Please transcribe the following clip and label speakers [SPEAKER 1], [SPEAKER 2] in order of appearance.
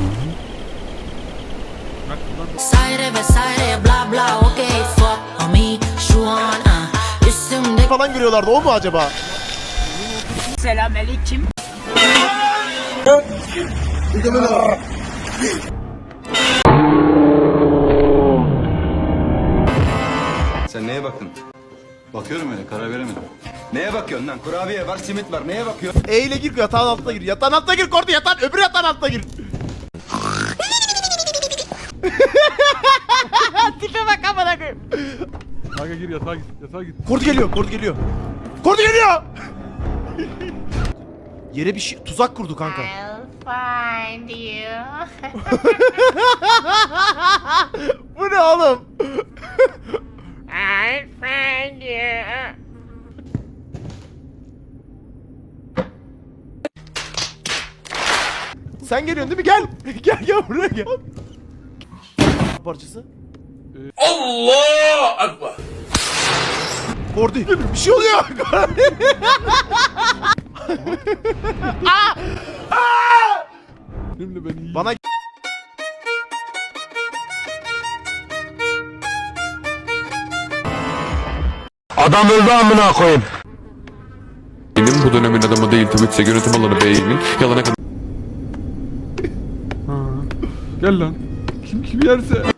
[SPEAKER 1] Vesaire vesaire bla bla okey fuck me şu an üstümde
[SPEAKER 2] falan görüyorlardı, o mu acaba?
[SPEAKER 3] Selamünaleyküm.
[SPEAKER 4] Sen neye baktın? Bakıyorum öyle, karar veremedim. Neye bakıyorsun lan? Kurabiye var, simit var. Neye bakıyorsun?
[SPEAKER 2] E ile gir, yatağın altına gir. Yatağın altına gir Kordi, yatağın öbür yatağın altına gir. Tipe bak amına koyayım.
[SPEAKER 5] Kanka gir yatağa git. Yatağa git.
[SPEAKER 2] Kordi geliyor, Kordi geliyor. Kordi geliyor. Yere bir şey, tuzak kurdu kanka.
[SPEAKER 1] I'll find you.
[SPEAKER 2] Bu ne oğlum?
[SPEAKER 1] I'll find you.
[SPEAKER 2] Sen geliyorsun değil mi? Gel. Gel buraya gel. Parçası.
[SPEAKER 6] Allah Akbar.
[SPEAKER 2] Kordi. Bir şey oluyor.
[SPEAKER 5] Benimle ben iyiyim.
[SPEAKER 2] Bana
[SPEAKER 7] Adam öldü amına koyayım.
[SPEAKER 8] Benim bu dönemin adamı değil tabii ki yönetim alanı beyimin yalana kadar.
[SPEAKER 5] Gel lan. Kim yerse.